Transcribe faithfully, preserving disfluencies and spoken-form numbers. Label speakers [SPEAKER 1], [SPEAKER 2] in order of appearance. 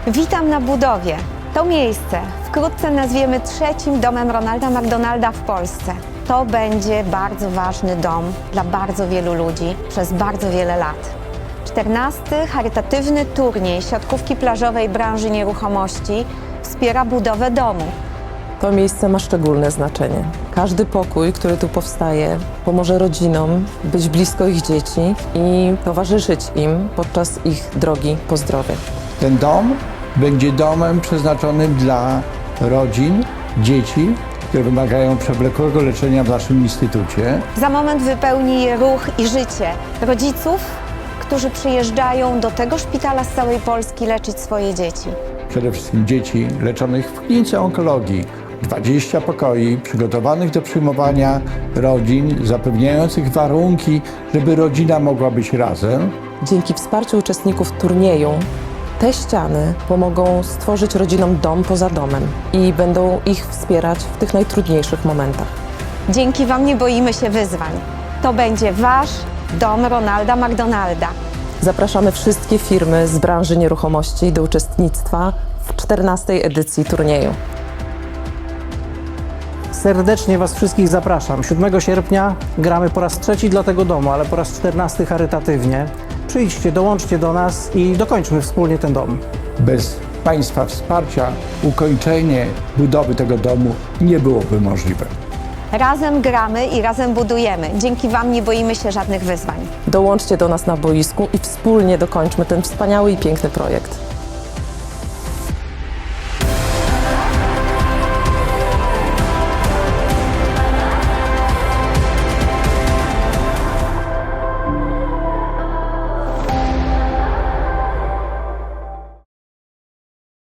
[SPEAKER 1] Witam na budowie. To miejsce wkrótce nazwiemy trzecim domem Ronalda McDonalda w Polsce. To będzie bardzo ważny dom dla bardzo wielu ludzi przez bardzo wiele lat. czternasty charytatywny turniej siatkówki plażowej branży nieruchomości wspiera budowę domu.
[SPEAKER 2] To miejsce ma szczególne znaczenie. Każdy pokój, który tu powstaje, pomoże rodzinom być blisko ich dzieci i towarzyszyć im podczas ich drogi po zdrowie.
[SPEAKER 3] Ten dom będzie domem przeznaczonym dla rodzin, dzieci, które wymagają przewlekłego leczenia w naszym instytucie.
[SPEAKER 1] Za moment wypełni je ruch i życie rodziców, którzy przyjeżdżają do tego szpitala z całej Polski leczyć swoje dzieci.
[SPEAKER 3] Przede wszystkim dzieci leczonych w klinice onkologii. dwadzieścia pokoi przygotowanych do przyjmowania rodzin, zapewniających warunki, żeby rodzina mogła być razem.
[SPEAKER 2] Dzięki wsparciu uczestników turnieju te ściany pomogą stworzyć rodzinom dom poza domem i będą ich wspierać w tych najtrudniejszych momentach.
[SPEAKER 1] Dzięki Wam nie boimy się wyzwań. To będzie Wasz dom Ronalda McDonalda.
[SPEAKER 2] Zapraszamy wszystkie firmy z branży nieruchomości do uczestnictwa w czternastej edycji turnieju.
[SPEAKER 4] Serdecznie Was wszystkich zapraszam. siódmego sierpnia gramy po raz trzeci dla tego domu, ale po raz czternasty charytatywnie. Przyjdźcie, dołączcie do nas i dokończmy wspólnie ten dom.
[SPEAKER 3] Bez Państwa wsparcia ukończenie budowy tego domu nie byłoby możliwe.
[SPEAKER 1] Razem gramy i razem budujemy. Dzięki Wam nie boimy się żadnych wyzwań.
[SPEAKER 2] Dołączcie do nas na boisku i wspólnie dokończmy ten wspaniały i piękny projekt.